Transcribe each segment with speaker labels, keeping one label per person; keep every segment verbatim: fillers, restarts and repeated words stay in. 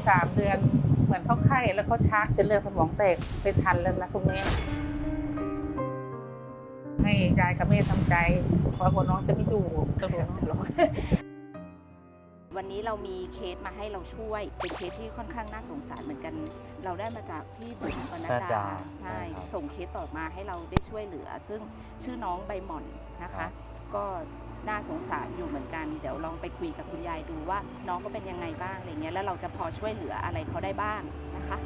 Speaker 1: สามเดือนเหมือนเขาไข้แล้วเขาชักจะเลือดสมองแตกไปทันแล้วนะคุณแม่ให้ยายกับแม่ทำใจเพราะว่าน้องจะไม่อยู่ตลอด
Speaker 2: วันนี้เรามีเคสมาให้เราช่วยเป็นเคสที่ค่อนข้างน่าสงสารเหมือนกันเราได้มาจากพี่บุ๋มปนัดดาใช่ส่งเคสต่อมาให้เราได้ช่วยเหลือซึ่งชื่อน้องใบหม่อนนะคะก็น่าสงสารอยู่เหมือนกันเดี๋ยวลองไปคุยกับคุณยายดูว่าน้องก็เป็นยังไงบ้างอะไรเงี้ยแล้วเราจะพอช่วยเหลืออะไรเขาได้บ้างนะคะ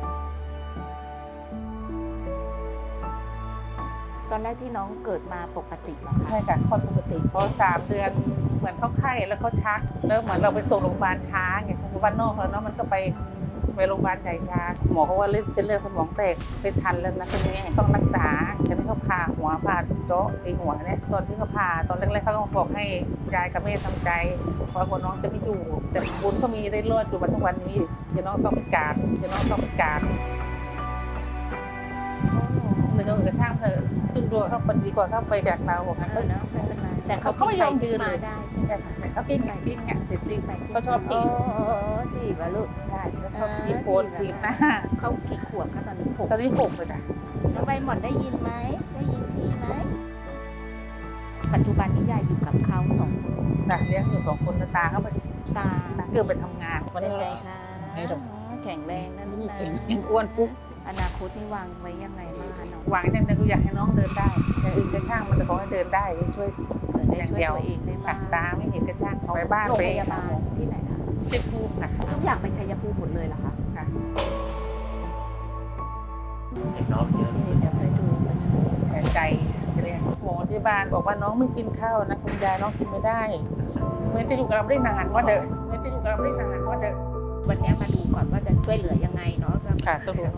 Speaker 2: ตอนแรกที่น้องเกิดมาปกติเหรอคะ
Speaker 1: ใช่ค่ะคลอดปกติพอสามเดือนเหมือนเขาไข้แล้วเขาชักแล้วเหมือนเราไปส่งโรงพยาบาลช้าไงคือบ้านนอกแล้วเนาะมันก็ไปไปโรงพยาบาลใหญ่ช้าหมอเขาว่าเลือดเส้นเลือดสมองแตกไปทันแล้วนะคุณแม่ต้องรักษาตอนที่เขาผ่าหัวผ่าเจาะไอหัวเนี่ยตอนที่เขาผ่าตอนแรกๆเขาก็บอกให้ยายกับแม่ทำใจเพราะว่าน้องจะไม่อยู่แต่บุญเขามีได้รอดอยู่มาทุกวันนี้เดี๋ยวน้องต้องไปการเดี๋ยวน้องต้องไปการหรือก็อื่นกระช่างเถอะขึ้นรัวเขาคนดีกว่าเข้าไปแดกเราบอกงั้น
Speaker 2: เออเนาะไม่เป็นไรแต่เขา
Speaker 1: เขาไม่ยอมยืนเลย
Speaker 2: ได้
Speaker 1: ใช่ไหมแต่เขากินไงกินไงติด
Speaker 2: ตี
Speaker 1: ลิ้น
Speaker 2: ไป
Speaker 1: เขาชอบถีบ
Speaker 2: โอ้ถีบอะลูก
Speaker 1: ใช่เขาชอบถีบโพน
Speaker 2: เออถี
Speaker 1: ถี
Speaker 2: บบ
Speaker 1: หน้า
Speaker 2: เขากี่ขวบคะตอนนี้ผม
Speaker 1: ตอนนี้หกเลยจ้ะ
Speaker 2: น้องใบหม่อนได้ยินไหมได้ยินพี่ไหมปัจจุบันนี้ยายอยู่กับเขาสองคน
Speaker 1: น่ะเลี้ยงอยู่สองคนนะตาเขาไป
Speaker 2: ตา
Speaker 1: ตาเกือบไปทำงานวัน
Speaker 2: เป็น
Speaker 1: นี้
Speaker 2: ไงคะ
Speaker 1: ไม่หรอก
Speaker 2: แข็งแรงนั่นนะ
Speaker 1: ยังอ้วนปุ๊บ
Speaker 2: อนาคตนี่วางไว้ยังไงบ้างคะน้อง
Speaker 1: หวังอย่างหนึงก็อยากให้น้องเดินได้อย่างอื่นก็ช่างมันแต่ขอให้เดินได้ช่วย
Speaker 2: เผื่อได้ช่วยตัวเองได้
Speaker 1: ตั
Speaker 2: บ้าง
Speaker 1: ดตาไม่เห็นก็ช่างเอาไปบ้าน
Speaker 2: โรง
Speaker 1: ไป
Speaker 2: พยาบาลที่ไหนคะ
Speaker 1: เป็นภูมิค่ะ
Speaker 2: ทุกอย่างไปชัยภูมิหมดเลยเหรอคะ
Speaker 1: ค่ะ
Speaker 3: เด็กน้องเยอะ
Speaker 2: นี่เดี๋ยวไปดูกันนะ
Speaker 1: เสียใจเรียกหมอที่บ้านบอกว่าน้องไม่กินข้าวนะคุณยายน้องกินไม่ได้เหมือนจะอยู่กับเราได้นานว่าเดิมเหมือนจะอยู่กับเราได้นานว่าเดิม
Speaker 2: วันนี้มาดูก่อนว่าจะช่วยเหลือยังไงเนาะ
Speaker 1: ค่ะสรุป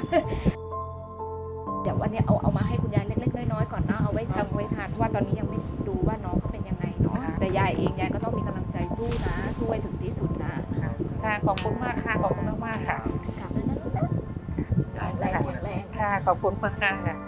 Speaker 2: เดี๋ยววันนี้เอาเอามาให้คุณยายเล็กๆน้อยๆก่อนเนาะเอาไว้ทำไว้ทานเพราะว่าตอนนี้ยังไม่ดูว่าน้องเขาเป็นยังไงเนาะแต่ยายเองยายก็ต้องมีกำลังใจสู้นะสู้ให้ถึงที่สุดนะ
Speaker 1: ค่ะขอบคุณมากค่ะขอบคุณมากๆค่ะ
Speaker 2: กลับแล้วนะลูกนะแข็งแรงแข็งแรง
Speaker 1: ค่ะขอบคุณมากค่ะ